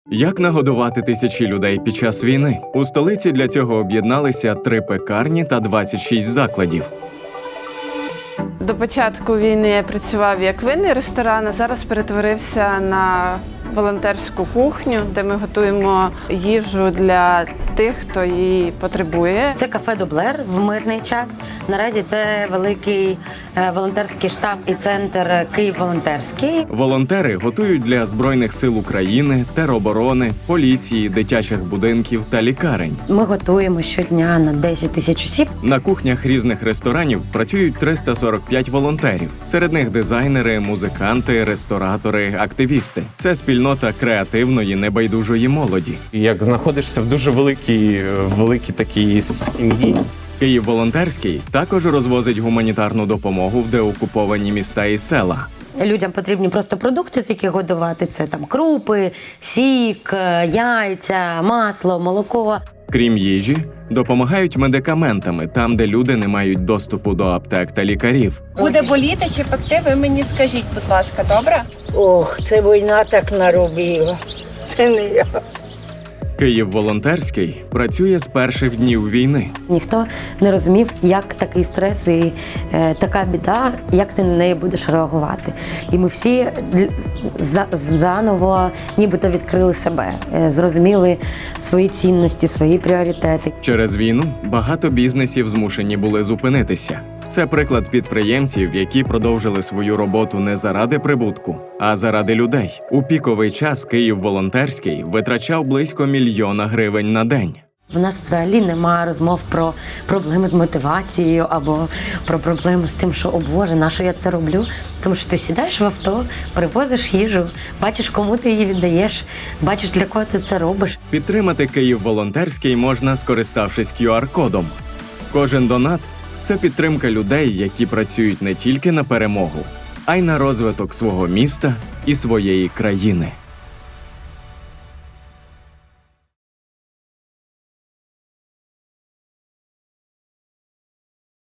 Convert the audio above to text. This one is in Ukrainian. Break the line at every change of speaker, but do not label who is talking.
Як нагодувати тисячі людей під час війни? У столиці для цього об'єдналися 3 пекарні та 26 закладів.
До початку війни я працював як винний ресторан, а зараз перетворився на волонтерську кухню, де ми готуємо їжу для тих, хто її потребує.
Це кафе «Доблер» в мирний час. Наразі це великий волонтерський штаб і центр «Київ волонтерський».
Волонтери готують для Збройних сил України, тероборони, поліції, дитячих будинків та лікарень.
Ми готуємо щодня на 10 тисяч осіб.
На кухнях різних ресторанів працюють 345 волонтерів. Серед них дизайнери, музиканти, ресторатори, активісти. Це спільнота креативної, небайдужої молоді.
Як знаходишся в дуже великій такій сім'ї.
Київ волонтерський також розвозить гуманітарну допомогу в деокуповані міста і села.
Людям потрібні просто продукти, з яких годувати. Це там крупи, сік, яйця, масло, молоко.
Крім їжі, допомагають медикаментами там, де люди не мають доступу до аптек та лікарів.
Буде боліти чи пекти, ви мені скажіть, будь ласка, добре?
Ох, це війна так наробила. Це не я.
Київ волонтерський працює з перших днів війни.
Ніхто не розумів, як такий стрес і така біда, як ти на неї будеш реагувати. І ми всі заново нібито відкрили себе, зрозуміли свої цінності, свої пріоритети.
Через війну багато бізнесів змушені були зупинитися. Це приклад підприємців, які продовжили свою роботу не заради прибутку, а заради людей. У піковий час Київ волонтерський витрачав близько 1 мільйона гривень на день.
В нас взагалі немає розмов про проблеми з мотивацією або про проблеми з тим, що «О Боже, на що я це роблю?» Тому що ти сідаєш в авто, привозиш їжу, бачиш, кому ти її віддаєш, бачиш, для кого ти це робиш.
Підтримати Київ волонтерський можна, скориставшись QR-кодом. Кожен донат – це підтримка людей, які працюють не тільки на перемогу, а й на розвиток свого міста і своєї країни.